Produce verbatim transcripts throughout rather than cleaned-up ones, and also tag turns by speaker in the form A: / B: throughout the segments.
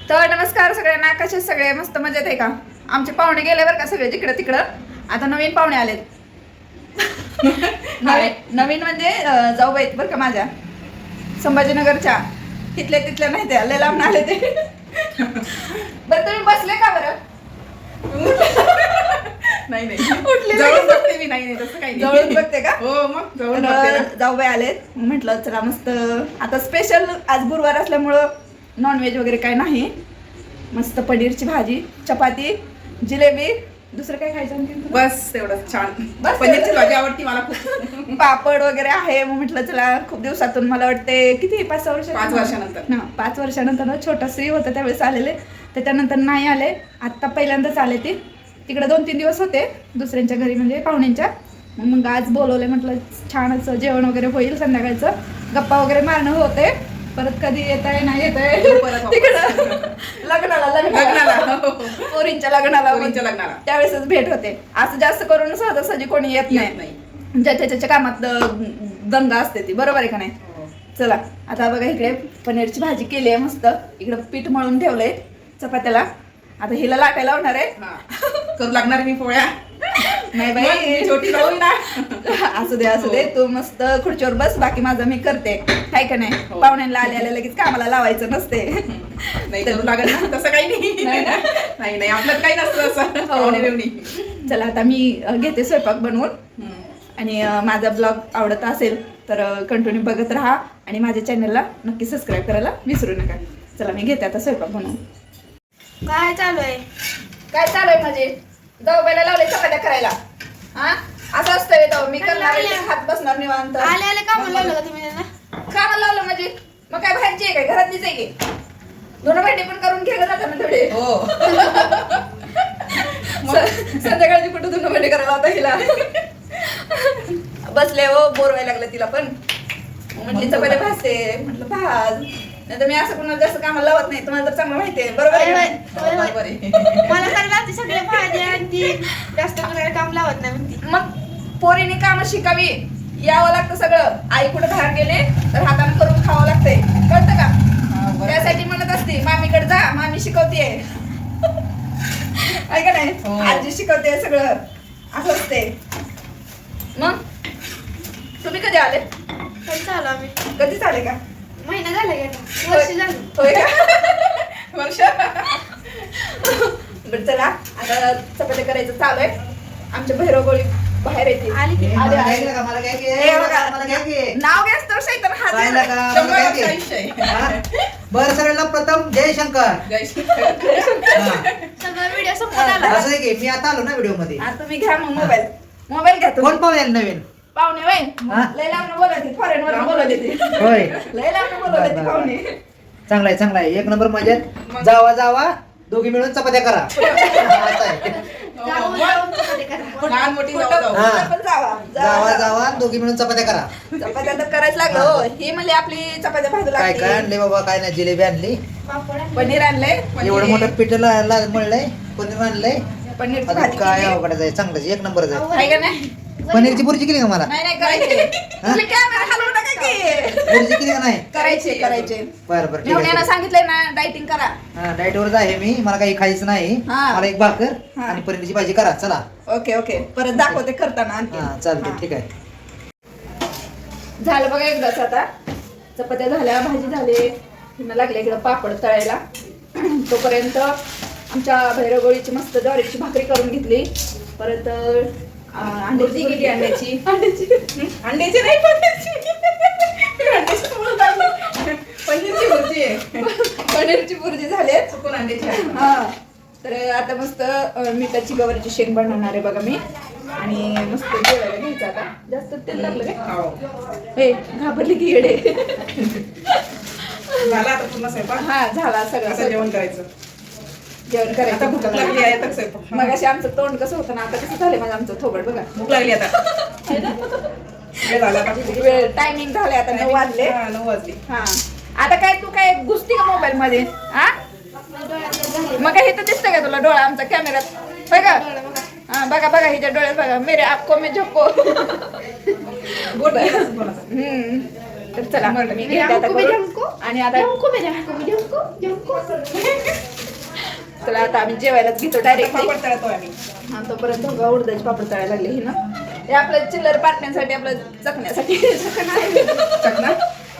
A: तर नमस्कार सगळ्यांना, कसे सगळे मस्त मजेत आहे का? आमचे पाहुणे गेले बरं का सगळे जिकडं तिकडं. आता नवीन पाहुणे आलेत. नवीन नवीन म्हणजे जाऊबाई आहेत बरं का माझ्या, संभाजीनगरच्या. तिथले तिथले नाही, ते लय लांब आले ते. बरं तुम्ही बसले का बरं?
B: नाही नाही
A: उठले
B: जवळून बघते मी. नाही नाही तसं काही नाही.
A: जवळून बघते का?
B: हो मग जवळून बघते ना.
A: जाऊबाई आलेत, म्हटलं चला मस्त. आता स्पेशल आज गुरुवार असल्यामुळं नॉनव्हेज वगैरे काय नाही. मस्त पनीरची भाजी, चपाती, जिलेबी, दुसरं काय खायचं आणखी?
B: बस तेवढंच छान.
A: बस
B: पनीरची
A: तेवढंच?
B: भाजी आवडती मला खूप.
A: पापड वगैरे आहे. मग म्हटलं चला, खूप दिवसातून मला वाटते किती पाच सहा वर्ष
B: पाच वर्षानंतर.
A: ना पाच वर्षानंतर ना छोटा श्री होतं त्यावेळेस आलेले, त्याच्यानंतर नाही आले. आत्ता पहिल्यांदाच आले ते. तिकडे दोन तीन दिवस होते दुसऱ्यांच्या घरी, म्हणजे पाहुण्यांच्या. मग मग आज बोलवले, म्हटलं छान असं जेवण वगैरे होईल संध्याकाळचं, गप्पा वगैरे मारणं होते. परत कधी येत आहे नाही येत आहे तिकडं लग्नाला लग्नाला पोरींच्या लग्नाला
B: पोरींच्या लग्नाला.
A: त्यावेळेसच भेट होते. असं जास्त करून सहजासहजी कोणी येत
B: येत
A: नाही, ज्याच्या त्याच्या कामात दंगा असते ती. बरोबर आहे का नाही? चला आता बघा, इकडे पनीरची भाजी केली आहे मस्त. इकडं पीठ मळून ठेवलंय चपात्याला. आता हिला लाटायला लावणार आहे.
B: करू लागणार मी पोळ्या.
A: नाही बाई,
B: छोटी राहू ना.
A: असू दे असू दे, तू मस्त खुर्चीवर बस, बाकी माझं मी करते. काय का नाही?
B: हो.
A: पाहुण्यांना आले आले लगेच कामाला लावायचं नसते.
B: नाही करू लागत ना, तसं काही नाही.
A: नाही ना?
B: नाही नाही आपल्यात काही नसतं असं. पाहुणे बिवणी.
A: चला आता मी अ, घेते स्वयंपाक बनवून. आणि अ, माझा ब्लॉग आवडत असेल तर कंटिन्यू बघत राहा, आणि माझ्या चॅनलला नक्की सबस्क्राईब करायला विसरू नका. चला मी घेते आता स्वयंपाक बनवून.
C: काय चालू आहे?
A: काय चालू आहे माझे? जाऊबाईला लावले चपात्या करायला. हा असं असतंय जाऊ, मी करणार आहे, हात बसणार निवांत.
C: आले आले का म्हणून लावलं का तुम्ही त्यांना?
A: कामाला लावलं म्हणजे मग काय बाहेरची आहे काय, घरातलीच आहे की? दोन भांडी पण करून घे जाता ना थोडे.
B: हो.
A: स- संध्याकाळची कुठं दोन भांडी करायला होता हिला. बसले हो, बोर व्हायला लागलं तिला पण. म्हटली चपात्या भाजते, म्हटलं भाज. नाही तर मी असं कोणाला जास्त कामाला लावत नाही, तुम्हाला तर चांगलं माहिती आहे. बरोबर आहे
C: होय,
A: का?
C: होय, होय.
B: बरोबर आहे.
C: मला तर लागते सगळे भाजी आणि ती जास्त करायला काम लावत नाही म्हणती.
A: मग पोरीने काम शिकावी, यावं लागतं सगळं. आई कुठे बाहेर गेले तर हाताने करून खावं लागतंय, कळतं का?
B: हा, बरोबर.
A: त्यासाठी म्हणत असते मामीकडे जा, मामी शिकवतेय. ऐका नाही,
B: हो.
A: आजी शिकवते सगळं, असं असते. मग तुम्ही कधी आले?
C: पण चालू आम्ही
A: कधीच आले का?
C: महिना झाला गेला, वर्ष झालं.
A: होय का?
B: वर्ष.
A: बरं चला, आता चपात्या करायचं चालू आहे. आमच्या भैरवगोळी बाहेर येते.
C: आली की?
A: आले,
D: मला
A: आले.
D: घ्यायचं का? मला घ्यायची आहे.
A: हे बघा,
D: मला घ्यायची आहे.
A: नाव घ्यास तर शैतान हात
D: पाहिलं
A: येणार.
D: का? मला
B: शंभर
D: घ्यायची
B: वर्ष
D: आहे.
B: आयुष्य आहे.
D: हा? बरं सगळ्यांना प्रथम जय शंकर.
B: जय श्री.
D: हा.
C: सगळं व्हिडिओ संपत आला.
D: असं आहे की मी आता आलो ना व्हिडिओ मध्ये.
A: हा, तुम्ही घ्या मग मोबाईल. मोबाईल घ्या
D: कोण
A: तुम्ही.
D: पाहुणे आले नवीन?
A: पाहुणे वय
D: हा?
A: लय लांब बोलत फॉरेन वर बोलत येते.
D: होय.
A: लय लांब बोलत
D: बरं, बरं.
A: पाहुणे.
D: चांगला आहे चांगला आहे, एक नंबर मजेत. जावा जावा दोघी मिळून चपात्या करा. असं आहे.
C: जाऊन जाऊन चपाती करा.
B: लहान मोठी जाऊ
A: कुठं
B: जाऊ.
D: हा.
A: कुठं पण जावा
D: जावा जावा दोघी मिळून चपात्या करा.
A: चपात्या तर करायच लागलं हो. ही म्हणली आपली चपात्या भाजू
D: काय काय
A: लागते.
D: आणले बाबा? काय नाही, जिलेबी आणली,
C: पापड आणले.
A: पनीर आणलंय,
D: एवढं मोठं पीठ ला- ला- मळलंय, पनीर आणलंय.
A: पनीरची
D: आता
A: भाजी
D: काय
A: केली.
D: अवघड आहे, चांगलंच एक नंबरच आहे.
A: आहे का नाही?
D: पनीरची बुर्जी केली का मला?
A: नाही नाही करायचे. तुम्ही कॅमेरा हलवू नका की.
D: बुर्जी केली का नाही?
A: करायचे करायचे.
D: बरं बरं ठीक
A: मेवण्यानं
D: आहे.
A: सांगितलंय ना डायटिंग करा.
D: हा डाएट वरच आहे मी, मला काही खायचं नाही.
A: हा.
D: मला एक भाकर
A: हा.
D: आणि पनीरची भाजी करा चला.
A: ओके ओके, परत दाखवते करताना आणखी.
D: हा चालते
A: हा.
D: ठीक आहे.
A: झालं बघा एकदाच. आता चपात्या झाल्या, भाजी झाली, पुन्हा लागले इकडं पापड तळायला. तोपर्यंत आमच्या भैरवगोळीची मस्त ज्वारीची भाकरी करून घेतली. परत अं, अंड्याची
B: भुर्जी केली अंड्याची.
A: अंड्याची
B: अंड्याची नाही पनीरची. अंड्याची बोलत आहे. पनीरची भुर्जी आहे.
A: पनीरची भुर्जी झाली.
B: चुकून अंड्याची आहे.
A: हा, तर आता मस्त अं, मिठाची गवारीची शेंग बनवणार आहे बघा मी. आणि मस्त जेवायला घ्यायचं. आता जास्त तेल लागलं काय?
B: हो.
A: हे घाबरली की येडे.
B: झाला आता पूर्ण स्वयंपाक.
A: हा झाला
B: आता
A: सगळं.
B: जेवण करायचं.
A: जेवण
B: आता
A: करायचं.
B: भूक लागली आहे आता स्वयंपाक.
A: मग अशी आमचं तोंड कसं होतं ना, आता कसं झालंय माझं आमचं थोबड बघा.
B: भूक लागली आता. वेळ झाला आता.
A: वेळ टायमिंग झाले आता नऊ वाजले.
B: हा, नऊ वाजले.
A: हा, आता काय तू काय घुसती का मोबाईल मध्ये? हा, मग काय इथं दिसतं का तुला डोळा आमचा कॅमेऱ्यात? होय का? हा बघा बघा, हिच्या डोळ्यात बघा. मेरे आपको मैं झोपको.
B: बोट आहे ना कोणाचा.
A: हम्म, तर चला मी
C: मेरे
A: घेते आता
C: हमको भी
A: करून.
C: हमको
A: आणि आता
C: हमको मेरे हमको भी हमको हमको
A: चला आता आम्ही जेवायलाच घेतो डायरेक्टली.
B: पापड तळतोय आम्ही.
A: हा तोपर्यंत बघा उडदाचे पापड तळायला लागले ही ना. हे आपलं चिल्लर पाटण्यासाठी आपलं चकण्यासाठी
B: चकना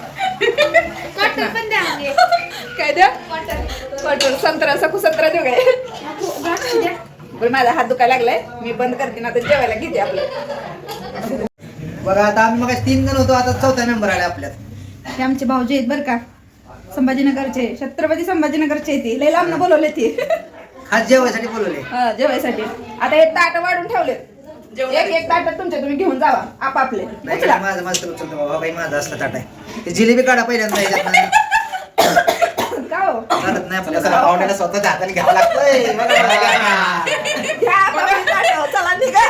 C: कॉटन पण द्या म्हणजे.
A: काय द्या कटोर संत्रा सकू संत्रा देऊ काय.
C: द्या द्या.
A: बरं माझा हात दुखायला लागलाय मी बंद करते ना आता जेवायला घेते आपलं.
D: बघा आता आम्ही मग तीन जण होतो आता चौथा मेंबर आले आपल्यात.
A: हे आमचे भाऊजी आहेत बरं का संभाजीनगरचे छत्रपती संभाजीनगरचे ते लय लांब बोलवले ते
D: खास जेवायसाठी बोलवले.
A: हा, जेवायसाठी. आता हे ताट वाढून ठेवले एक एक ताट तुमच्या तुम्ही घेऊन जावा आपापले.
D: नाही
A: उचला.
D: माझं माझं तर उचलतो बाबा काही माझं असलं ताट आहे. ते जिलेबी काढा पहिल्यांदा ह्याच्यातनं.
A: का हो
D: चालत नाही आपल्याला पाहुण्याला स्वतःच्या हाताने घ्यावं लागतंय. बघा, बघा.
A: घ्या आपापले ताटं. चला निघा.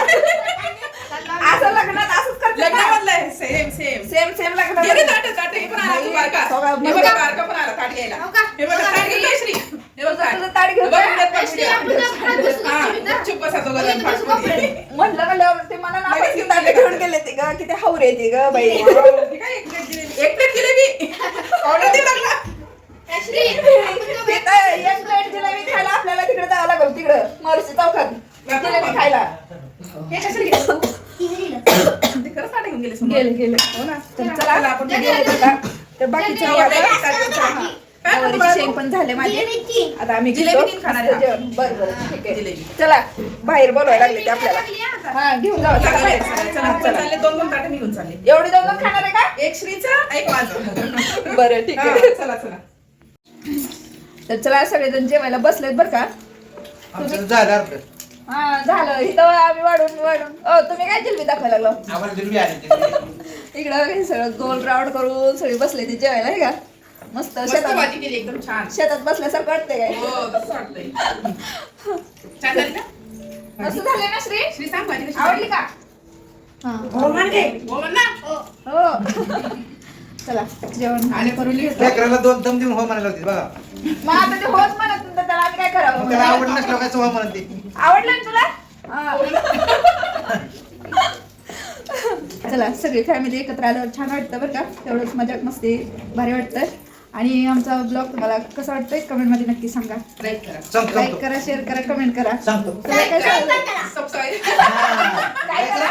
A: असं लग्नात असंच करतात
B: लग्न
A: ना.
B: मधलंय सेम सेम
A: सेम सेम लग्नात
B: गेले ताट ताट हे पण आला तू बारका
A: बघा,
B: हे बघा बारका पण आला ताट घ्यायला
C: हो का?
B: हे बघा ताट घेतोय श्री हे बघा
A: तुझं ताट घेऊन
B: बघ,
A: जा.
B: इकडे पण
C: श्री, आपण जर हात बसून
B: हा,
C: बसून ना.
B: चुप बसा दोघं जण
C: लगेच बसू
B: फाटफुटी.
C: कपडे.
A: म्हटलं म्हणल्यावर ते मला ना
B: लगेच घेऊन
A: ताट
B: गेले.
A: घेऊन गेले ते ग किती हावर येते ग बाई.
B: हे काय एक प्लेट जिलेबी एक प्लेट जिलेबी ऑर्डर दे लागला
C: श्री, आपण दोघं
A: तिथं एक प्लेट जिलेबी खायला आपल्याला तिकडे जावं लागलं तिकडं महर्षी चौकात जिलेबी खायला.
B: हे कशाला गेले तू? ते खरंच ताट घेऊन गेले समोर.
A: गेले गेले
B: हो ना
A: तर
B: चला
A: चला
B: आपण
A: आपण
B: गेलो
A: गेलो
B: होतो.
A: का तर बाकीचे
B: जाऊ,
A: आता-
B: एक ताट घेऊन चला.
A: हा.
B: काय म्हणतो
A: गवारीचे
B: बाळा
A: शेंग
B: तू?
A: पण झाले माझे.
C: जिलेबीची.
A: आता आम्ही
B: जिलेबी
A: घेतो.
B: तीन खाणार
A: मस्त
B: आहे.
A: जेवण. बरं बरं ठीक आहे
B: जिलेबी.
A: चला बाहेर बोलवायला लागले ते आपल्याला.
C: लागली आता.
A: हा घेऊन जाऊ चला
B: लागले.
A: बाहेर.
B: चला
A: हा,
B: आपण
A: चला
B: चालले दोन दोन ताटे निघून चालले
A: एवढी दोन दोन खाणार आहे का
B: एक श्रीचा एक माझं
A: बरं ठीक
B: हा,
A: आहे
B: चला चला
A: तर चला सगळेजण जेवायला बसलेत बरं का.
D: आमचं झालं अर्ध.
A: हा झालं इथं आम्ही वाढून वाढून ओ तुम्ही काय जिलबी दाखवायला लागलो
D: आम्हाला जिलेबी आली होती.
A: इकडं हे सगळं गोल राऊंड करून सगळे बसले ते जेवायला हे का मस्त
B: मस्त
A: शेतात
B: भाजी केली एकदम छान
A: शेतात बसल्यासारखं वाटतंय काय
B: हो तसं वाटतंय छान झाली ना
A: मस्त झाले ना श्री
B: श्री सांग भाजी कशी
A: आवडली का हा
B: हो म्हणते हो म्हण ना
A: हो चला जेवण
B: आले करून घेतो
D: लेकराला दोन दम देऊन हो म्हणायला होती बघा.
A: मग आता ते होच म्हणत नंतर त्याला आम्ही काय
D: मग त्याला आवड
A: करावं
D: नसलं काय हो म्हणत ती.
A: आवडलं ना तुला हा. चला सगळी फॅमिली एकत्र आल्यावर छान वाटतं बरं का तेवढंच मजाक मस्ती भारी वाटतं आणि आमचा ब्लॉग तुम्हाला कसं वाटतंय कमेंट मध्ये नक्की सांगा
B: लाईक करा
D: सांगतो
A: लाईक
D: सांगतो.
A: करा शेअर करा कमेंट करा
D: सांगतो.
A: तुला काय सांगू?
B: सबस्क्राईब
D: हा.
A: काय करा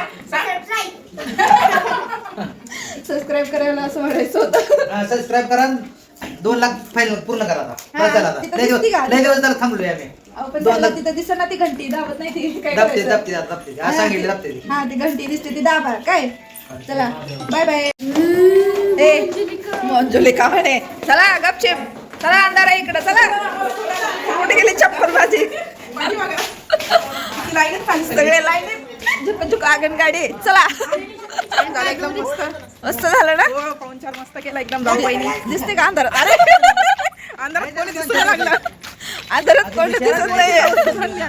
A: सबस्क्राईब करायला असं म्हणायचं होतं
D: हा, सबस्क्राईब करा दोन लाख फाईल पूर्ण करा आता.
A: हा,
D: बस झालं आता.
A: तिथं
D: लय दिवस
A: दिसती का?
D: लय दिवस झालं थांबलोय आम्ही.
A: अहो, पण
D: दोन
A: त्याला
D: लाख
A: तिथं दिसत ना ती घंटी दाबत नाही ती काय
D: दाबते
A: करायचं?
D: दाबते दाबते हा सांगितलं दाबते ती.
A: हा ती घंटी दिसते ती दाबा काय चला बाय बाय ए मंजुलिका म्हणे चला गपचिप चला अंधारा इकडं चला कुठे गेली चप्पल माझी
B: माझी बघा लाईनच पाणी
A: सगळे लाईन झुक झुक आगन गाडी चला
B: झालं एकदम मस्त
A: मस्त झालं ना
B: हो पाऊन चार मस्त केला एकदम जाऊ बहिणी
A: दिसते का अंधारात अरे
B: अंधारात कोणी दिसू नाही लागलं
A: अंधारात कोण दिसत नाही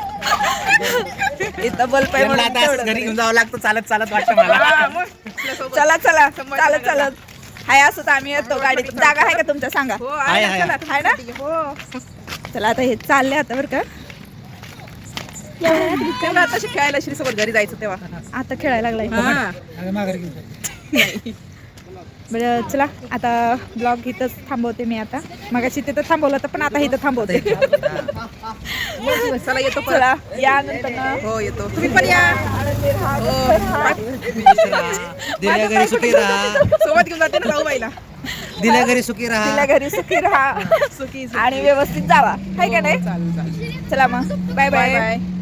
A: इथं बल्ब आहे म्हणून तेवढं.
D: घरी घेऊन जावं लागतं चालत चालत वाटतं मला.
B: हा, मग आपल्यासोबत.
A: चला चला चालत चालत हाय असं तर आम्ही येतो गाडीत जागा आहे का तुमच्या सांगा
B: हो आहे
D: आहे,
B: ना, चला
A: आहे ना
B: हो
A: चला आता हे चालले आता बरं का
B: तेव्हा आता खेळायला श्री सोबत घरी जायचं तेव्हा
A: आता खेळायला लागलाय
B: हा.
A: बरं चला आता ब्लॉग इथंच थांबवते मी आता मगाशी तिथं थांबवलं होतं पण आता इथं थांबवते
B: चला येतो परत.
A: चला या नंतर
B: हो येतो तुम्ही पण या
D: दिल्या घरी सुखी राहा.
B: सोबत घेऊन जाते ना जाऊ बाईला
D: दिल्या घरी सुखी राहा.
A: तिला घरी सुखी राहा
B: सुखी
A: आणि व्यवस्थित जावा हाय का नाही
B: चालेल चालेल
A: चला मग बाय
B: बाय
A: बाय
B: बाय